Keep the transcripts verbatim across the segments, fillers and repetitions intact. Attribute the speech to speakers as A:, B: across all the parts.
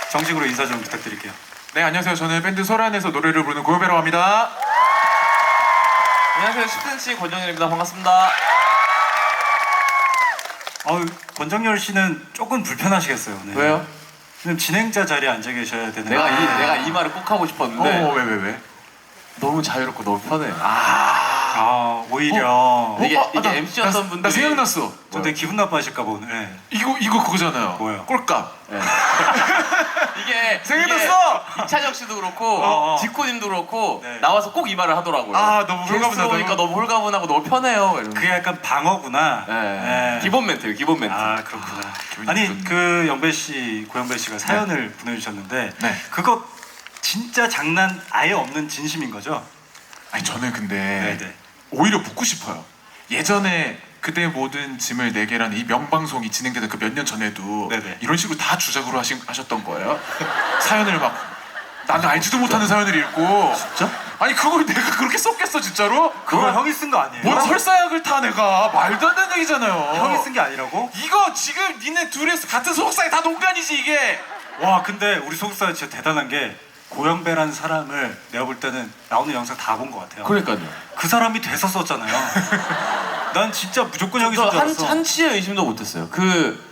A: 정식으로 인사 좀 부탁드릴게요.
B: 네, 안녕하세요. 저는 밴드 소란에서 노래를 부르는 고요배라고 합니다.
C: 안녕하세요. 십 센치 권정열입니다. 반갑습니다.
A: 어, 권정열 씨는 조금 불편하시겠어요. 네.
C: 왜요?
A: 지금 진행자 자리에 앉아 계셔야 되는.
C: 내가 이
A: 아.
C: 내가 이 말을 꼭 하고 싶었는데
B: 어, 왜, 왜, 왜?
C: 너무 자유롭고 너무 편해.
A: 아, 오히려.
B: 어?
C: 이게
B: 어?
C: 이게
B: 나-
C: 엠씨였던
B: 나,
C: 분들이
B: 나 생각났어.
A: 저 되게 기분 나빠하실까 봐 오늘. 네.
B: 이거 이거 그거잖아요.
A: 뭐예요?
B: 꼴값.
C: 네. 이게
B: 생각났어!
C: 이게 이차적 씨도 그렇고
A: 어, 어.
C: 지코님도 그렇고
A: 네.
C: 나와서 꼭 이 말을 하더라고요.
B: 아, 너무
C: 게스트
B: 홀가분하다.
C: 오니까 너무 홀가분하고 너무 편해요. 이러면서.
A: 그게 약간 방어구나.
C: 네.
A: 네.
C: 기본 멘트예요. 기본 멘트.
A: 아, 그렇구나.
B: 기분이
A: 아니,
B: 좋네.
A: 그 영배 씨, 고영배 씨가 사연을 보내주셨는데
B: 네.
A: 그거 진짜 장난 아예 없는 진심인 거죠?
B: 아니 저는 근데
A: 네네.
B: 오히려 묻고 싶어요. 예전에 그대 모든 짐을 내게라는 이 명방송이 진행되던 그 몇 년 전에도
A: 네네.
B: 이런 식으로 다 주작으로 하신, 하셨던 거예요. 사연을 막 나는 알지도 못하는 사연을 읽고.
A: 진짜?
B: 아니 그걸 내가 그렇게 썼겠어 진짜로?
A: 그거
B: 뭐-
A: 형이 쓴 거 아니에요?
B: 뭔 설사약을 타 내가. 말도 안 되는 얘기잖아요.
A: 형이 쓴 게 아니라고?
B: 이거 지금 니네 둘이 같은 소속사에 다 농간이지 이게.
A: 와, 근데 우리 소속사 진짜 대단한 게 고영배라는 사람을 내가 볼 때는 나오는 영상 다 본 것 같아요.
C: 그러니까요.
A: 그 사람이 돼서 썼잖아요. 난 진짜 무조건 형이 쓴 줄
C: 한
A: 알았어.
C: 한치의 의심도 못했어요. 그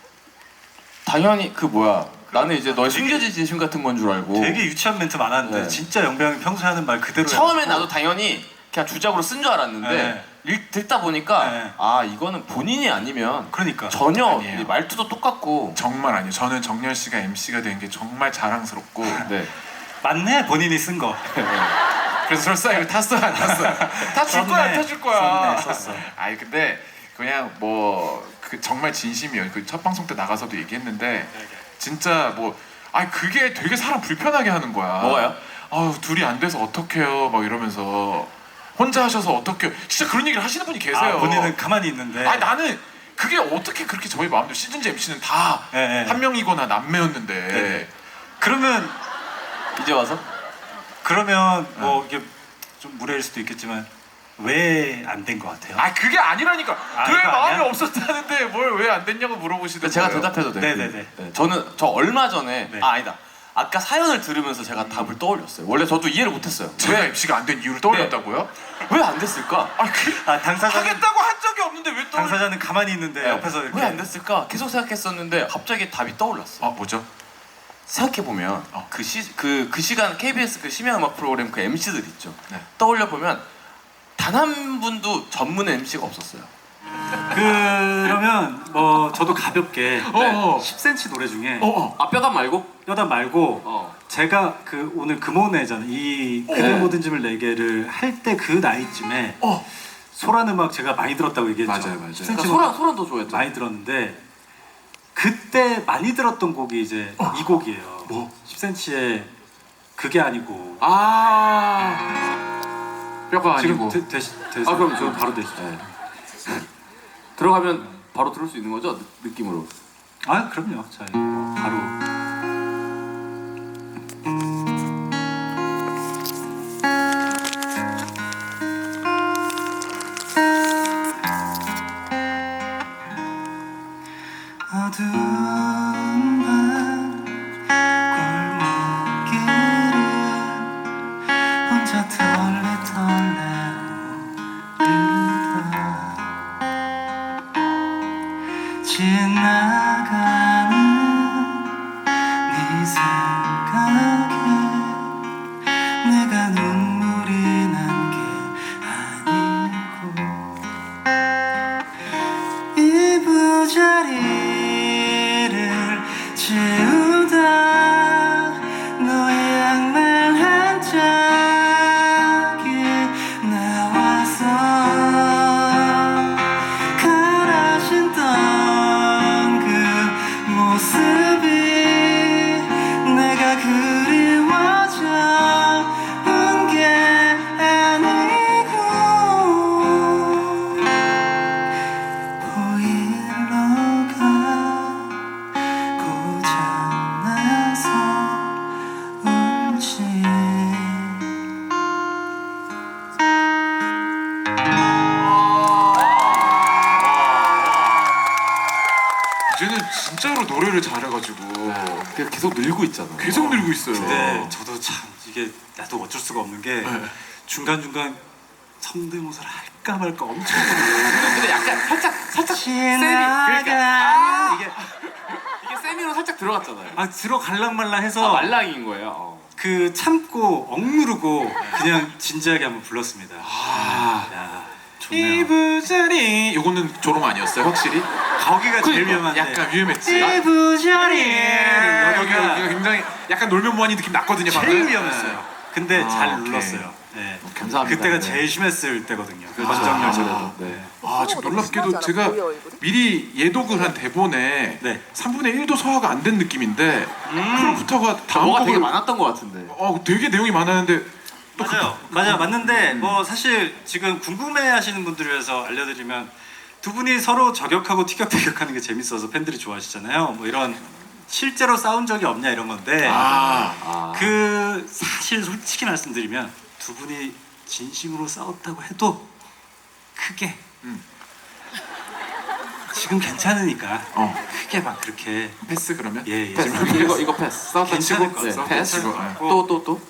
C: 당연히 그 뭐야. 나는 이제 너의 숨겨진 진심 같은 건 줄 알고.
A: 되게 유치한 멘트 많았는데
C: 네.
A: 진짜 영배 형이 평소에 하는 말 그대로
C: 처음엔
A: 해가지고.
C: 나도 당연히 그냥 주작으로 쓴 줄 알았는데
A: 네.
C: 읽, 듣다 보니까
A: 네.
C: 아 이거는 본인이 아니면
A: 그러니까
C: 전혀
B: 아니에요.
C: 이 말투도 똑같고.
B: 정말 아니에요. 저는 정열 씨가 엠씨가 된 게 정말 자랑스럽고.
C: 네.
A: 맞네, 본인이 쓴 거.
B: 그래서 설사약을 탔어 안 탔어? 다 줄 거야 안
A: 썼네.
B: 타줄 거야.
A: 썼네, 썼어.
B: 아니 근데 그냥 뭐 그 정말 진심이에요. 그 첫 방송 때 나가서도 얘기했는데 진짜 뭐 아니 그게 되게 사람 불편하게 하는 거야.
C: 뭐가요?
B: 아우 둘이 안 돼서 어떡해요 막 이러면서 혼자 하셔서 어떡해요. 진짜 그런 얘기를 하시는 분이 계세요.
A: 아, 본인은 가만히 있는데.
B: 아니 나는 그게 어떻게 그렇게 저희 마음대로 시즌제 엠씨는 다 한
A: 네, 네.
B: 명이거나 남매였는데.
A: 네. 그러면
C: 이제 와서
A: 그러면 뭐 이게 좀 무례일 수도 있겠지만 왜 안 된 것 같아요?
B: 아 그게 아니라니까.
A: 아,
B: 그럴
A: 이거
B: 마음이
A: 아니야?
B: 없었다는데 뭘 왜 안 됐냐고 물어보시는
C: 제가
B: 거예요.
C: 대답해도 돼요.
A: 네네네.
C: 네, 저는 저 얼마 전에
A: 네.
C: 아 아니다. 아까 사연을 들으면서 제가 답을 떠올렸어요. 원래 저도 이해를 못했어요.
B: 제가 엠씨가 안 된 이유를 떠올렸다고요?
C: 왜 안 됐을까?
B: 아 그,
A: 아, 당사자는
B: 하겠다고 한 적이 없는데 왜 떠올려?
A: 당사자는 가만히 있는데 옆에서 이렇게
C: 왜 안 됐을까? 계속 생각했었는데 갑자기 답이 떠올랐어.
B: 아 뭐죠?
C: 생각해 보면
B: 어.
C: 그 시 그 그 시간 케이비에스 그 심야 음악 프로그램 그 엠씨들 있죠.
B: 네.
C: 떠올려 보면 단 한 분도 전문 엠씨가 없었어요.
A: 그러면 뭐 저도 가볍게
B: 어.
A: 십 센치 노래 중에
B: 어, 어.
C: 아 뼈단 말고?
A: 여단 말고
C: 어.
A: 제가 그 오늘 금오내잖아 이 그대
C: 어.
A: 모든 짐을 내게를 할 때 그 나이쯤에
B: 어.
A: 소란 음악 제가 많이 들었다고 얘기했죠.
B: 맞아요, 맞아요.
A: 십
C: 그러니까
A: 센치
C: 소란 소란 더 좋아했죠.
A: 많이 들었는데 그때 많이 들었던 곡이 이제 이 곡이에요.
B: 뭐?
A: 십 센치의 그게 아니고.
C: 아 뼈가
A: 지금
C: 아니고
A: 되, 되시, 되시,
C: 아, 그럼
A: 그럼
C: 저-
A: 바로 되시죠.
C: 네. 들어가면 바로 들을 수 있는 거죠? 느, 느낌으로.
A: 아 그럼요. 자 뭐 바로. 어두운 밤 골목길을 혼자 털레털레 오르다 지나가는 네 생각에 내가 눈물이 난 게 아니고 이부자리를 채우다 너의 양말 한 짝이 나와서 가라진던 그 모습이 내가 그리워져 온 게 아니고 보일러 가고 잠
C: 그냥 계속 늘고 있잖아.
B: 계속 늘고 있어요.
A: 근데 저도 참 이게 나도 어쩔 수가 없는 게
B: 네.
A: 중간 중간 성대모사를 할까 말까 엄청 고민해요.
C: 근데 약간 살짝 살짝 세미
A: 지나가
C: 그러니까
A: 이게
C: 이게 세미로 살짝 들어갔잖아요.
A: 막 들어갈랑말랑 해서
C: 아, 말랑인 거예요. 어.
A: 그 참고 억누르고 그냥 진지하게 한번 불렀습니다. 야, 좋네요.
B: 이부자리 요거는 조롱 아니었어요 확실히?
A: 거기가 제일
C: 그러니까,
A: 위험한데.
B: 약간 위험했지.
A: 이부자리
B: 여기가
A: 여기가
B: 여기가 굉장히 약간 놀면 뭐하니 느낌 났거든요 방금.
A: 제일 위험했어요. 근데
B: 아,
A: 잘
B: 오케이.
A: 눌렀어요. 네.
C: 감사합니다.
A: 그때가
C: 네.
A: 제일 심했을 때거든요.
C: 그렇죠.
A: 권정열처럼.
C: 아, 네.
B: 아 지금 놀랍게도 제가 미리 예독을 한 대본에
A: 네.
B: 삼분의 일도 소화가 안 된 느낌인데
A: 음.
B: 그럼부터가 다음
C: 뭐가 되게
B: 곡을
C: 많았던 것 같은데.
B: 어 되게 내용이 많았는데 또
A: 맞아요. 맞아요. 맞는데 뭐 사실 지금 궁금해하시는 분들을 위해서 알려드리면 두 분이 서로 저격하고 티격태격하는 게 재밌어서 팬들이 좋아하시잖아요. 뭐 이런 실제로 싸운 적이 없냐 이런 건데
B: 아,
C: 아.
A: 그 사실 솔직히 말씀드리면 두 분이 진심으로 싸웠다고 해도 크게
B: 음.
A: 지금 괜찮으니까
B: 어
A: 크게 막 그렇게
B: 패스 그러면?
A: 예, 예.
B: 패스.
C: 이거 이거 패스. 싸웠다
A: 괜찮을
C: 치고
A: 것
C: 네,
A: 같아요.
C: 패스.
B: 치고, 네.
C: 또 또 또.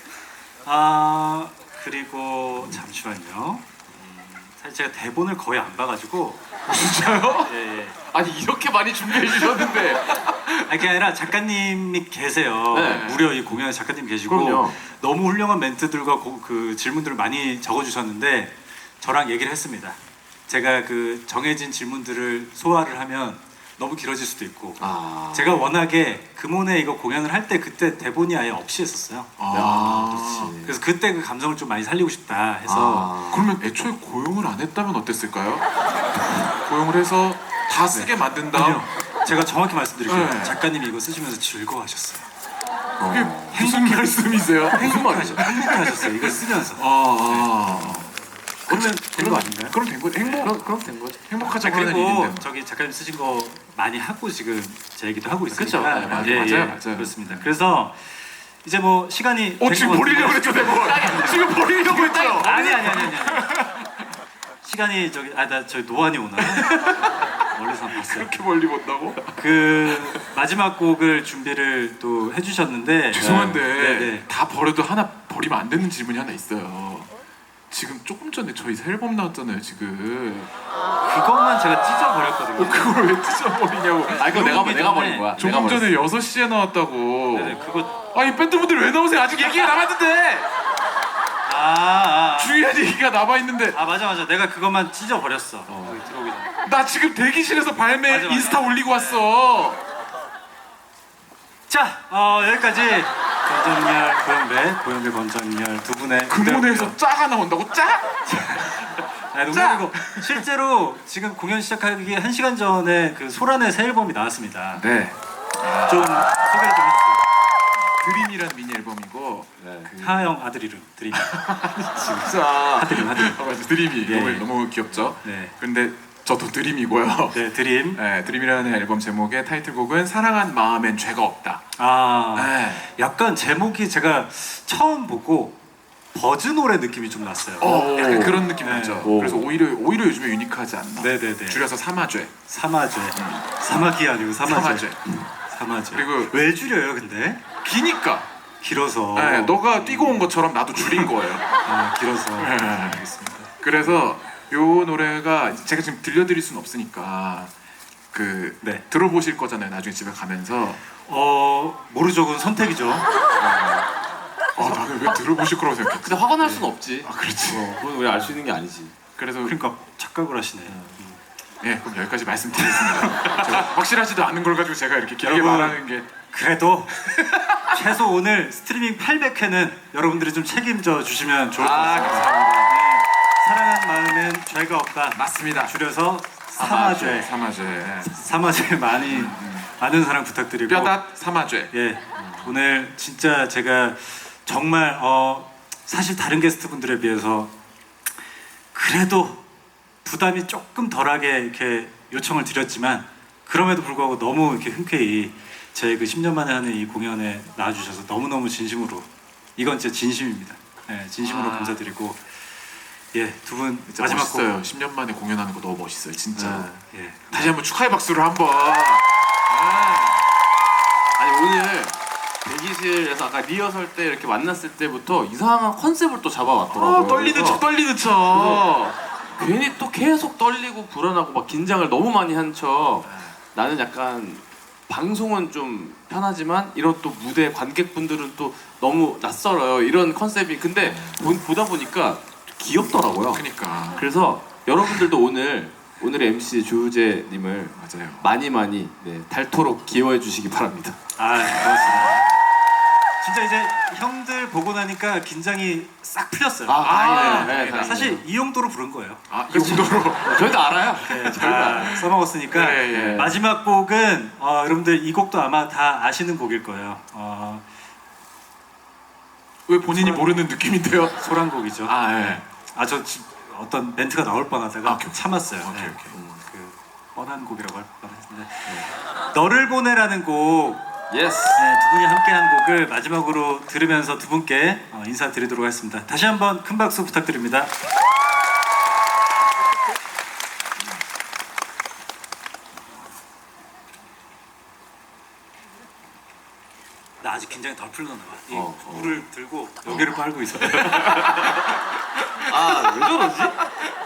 A: 아 그리고 잠시만요. 음, 사실 제가 대본을 거의 안 봐가지고
B: 진짜요?
A: 예, 예.
C: 아니 이렇게 많이 준비해 주셨는데.
A: 아니 그게 아니라 작가님이 계세요.
C: 네.
A: 무려 이 공연에 작가님 계시고
C: 그럼요.
A: 너무 훌륭한 멘트들과 고, 그 질문들을 많이 적어주셨는데 저랑 얘기를 했습니다. 제가 그 정해진 질문들을 소화를 하면 너무 길어질 수도 있고
C: 아.
A: 제가 워낙에 금혼에 이거 공연을 할 때 그때 대본이 아예 없이 했었어요.
B: 아,
C: 그렇지.
A: 그래서 그때 그 감성을 좀 많이 살리고 싶다 해서
C: 아.
B: 그러면 애초에 고용을 안 했다면 어땠을까요? 고용을 해서 다 쓰게 만든 다음
A: 아니요. 제가 정확히 말씀드릴게요.
B: 네.
A: 작가님이 이거 쓰시면서 즐거워하셨어요.
B: 그게 무슨 말씀이세요?
A: 행복하죠. 행복하셨어요. 이걸 쓰면서.
B: 아, 아.
A: 그러면 된 거 아닌가요?
B: 그럼 된 거죠. 행복
C: 그럼 그럼 된 거죠.
B: 행복하자고
A: 아,
B: 하는
A: 그리고
B: 일인데.
A: 저기 작가님 쓰신 거 많이 하고 지금 제 얘기도 하고 있으니까
C: 그쵸. 네, 맞아요.
A: 예, 예,
B: 맞아요, 맞아요.
A: 그렇습니다. 그래서 이제 뭐 시간이
B: 어
A: 된
B: 지금
A: 것
B: 버리려고
A: 같은데-
B: 했죠 대본. 지금 버리려고 했죠.
A: 아니 아니 아니 아니 시간이 저기 아 나 저기 노안이 오나 멀리서 한번 봤어요.
B: 이렇게 멀리 본다고?
A: 그 마지막 곡을 준비를 또 해주셨는데
B: 죄송한데
A: 네, 네.
B: 다 버려도 하나 버리면 안 되는 질문이 하나 있어요. 지금 조금 전에 저희 새 앨범 나왔잖아요 지금.
A: 그것만 제가 찢어버렸거든요.
B: 그걸 왜 찢어버리냐고.
C: 아 이거 내가
A: 녹음이
C: 내가
A: 전에
C: 버린 거야.
B: 조금
C: 내가
B: 전에 여섯 시에 나왔다고.
A: 네네 그거
B: 아니 밴드분들 왜 나오세요? 아직 얘기가 남았는데.
A: 아, 아, 아.
B: 중요한 얘기가 남아있는데.
A: 아 맞아 맞아 내가 그것만 찢어버렸어. 여기 들어오기 전에.
B: 나 지금 대기실에서 발매
A: 맞아, 맞아.
B: 인스타 올리고 왔어.
A: 자 어, 여기까지 권정열 고영배 고영배 권정열 두 분의
B: 금혼에서 짜가 나온다고? 짜?
A: 아, 농담이고 실제로 지금 공연 시작하기 한 시간 전에 그 소란의 새 앨범이 나왔습니다.
B: 네.
A: 좀 소개를 좀 해주세요.
B: 드림이라는 미니 앨범이고.
C: 네.
B: 그...
A: 하영 아들 이름 드림.
B: 진짜.
A: 하드림 하드림.
B: 아, 맞아. 드림이
A: 예.
B: 너무, 너무 귀엽죠?
A: 네.
B: 근데 저도 드림이고요.
A: 네 드림.
B: 네, 드림이라는 앨범 제목의 타이틀곡은 사랑한 마음엔 죄가 없다.
A: 아
B: 네.
A: 약간 제목이 제가 처음 보고 버즈 노래 느낌이 좀 났어요.
B: 어, 약간 그런 느낌
A: 네.
B: 나죠.
C: 오.
B: 그래서 오히려 오히려 요즘에 유니크하지 않나.
A: 네네네.
B: 줄여서 삼화죄.
A: 사마죄. 사마귀 아니고 사마죄.
B: 삼화죄.
A: 사마죄.
B: 그리고-
A: 왜 줄여요 근데?
B: 기니까.
A: 길어서.
B: 네, 너가 뛰고 온 것처럼 나도 줄인 거예요.
A: 아, 길어서.
B: 네.
A: 알겠습니다.
B: 그래서 요 노래가 제가 지금 들려드릴 순 없으니까 그
A: 네.
B: 들어보실 거잖아요. 나중에 집에 가면서.
A: 어 모르죠 그건 선택이죠.
B: 아, 나는 왜 들어보실 거라고 생각했지?
C: 근데 화가 날 수는 없지.
B: 아, 그렇지.
C: 어, 그건 우리 알 수 있는 게 아니지.
B: 그래서
A: 그러니까 착각을 하시네.
B: 예, 그럼 여기까지 말씀드리겠습니다. 제가 확실하지도 않은 걸 가지고 제가 이렇게 길게
A: 여러분.
B: 말하는 게
A: 그래도 최소 오늘 스트리밍 팔백 회는 여러분들이 좀 책임져 주시면 좋을 것
B: 아,
A: 같습니다.
B: 감사합니다.
A: 네, 사랑한 마음엔 죄가 없다.
B: 맞습니다.
A: 줄여서 사마죄.
B: 삼화죄.
A: 사마죄 많이 많은 사랑 부탁드리고.
B: 뼈다 삼화죄.
A: 예, 오늘 진짜 제가 정말 어 사실 다른 게스트분들에 비해서 그래도 부담이 조금 덜하게 이렇게 요청을 드렸지만 그럼에도 불구하고 너무 이렇게 흔쾌히 제 그 십 년 만에 하는 이 공연에 나와주셔서 너무너무 진심으로 이건 진짜 진심입니다. 예, 진심으로
B: 아.
A: 감사드리고 예, 두 분
B: 진짜
A: 마지막
B: 멋있어요. 십 년 만에 공연하는 거 너무 멋있어요, 진짜.
A: 곡 아, 예.
B: 다시 한번 축하의 박수를 한번. 아,
C: 아니 오늘 대기실에서 아까 리허설 때 이렇게 만났을 때부터 이상한 컨셉을 또 잡아왔더라고요.
B: 아, 떨리는
C: 그래서
B: 척 떨리는 척.
C: 괜히 또 계속 떨리고 불안하고 막 긴장을 너무 많이 한 척. 나는 약간 방송은 좀 편하지만 이런 또 무대 관객분들은 또 너무 낯설어요. 이런 컨셉이 근데 보, 보다 보니까 귀엽더라고요.
B: 그러니까
C: 그래서 여러분들도 오늘 오늘의 엠씨 조우재님을
B: 맞아요.
C: 많이 많이 네, 닳도록 기여해 주시기 바랍니다.
A: 아, 고맙습니다. 진짜 이제 형들 보고 나니까 긴장이 싹 풀렸어요.
C: 아, 다행이네요.
A: 네,
C: 네,
A: 네.
C: 다행이네요.
A: 사실 이 용도로 부른 거예요.
B: 아, 이 정도로.
C: 저희도 알아요.
A: 네, 다 써먹었으니까
B: 네, 예.
A: 마지막 곡은 어, 여러분들 이 곡도 아마 다 아시는 곡일 거예요. 어,
B: 왜 본인이 모르는 느낌인데요?
A: 소란곡이죠.
B: 아, 예.
A: 아, 저 지- 어떤 멘트가 나올 뻔하다가
B: 아, 오케이, 오케이.
A: 참았어요.
B: 오케이,
A: 네.
B: 오케이.
A: 음, 그 뻔한 곡이라고 할 뻔했는데 너를 보내라는 곡
C: 예스.
A: 네, 두 분이 함께한 곡을 마지막으로 들으면서 두 분께 어, 인사드리도록 하겠습니다. 다시 한번 큰 박수 부탁드립니다. 나 아직 긴장이 덜 풀렸나 봐. 이
C: 어, 어.
A: 물을 들고 여기를 빨고 있어.
C: 아 왜 저러지?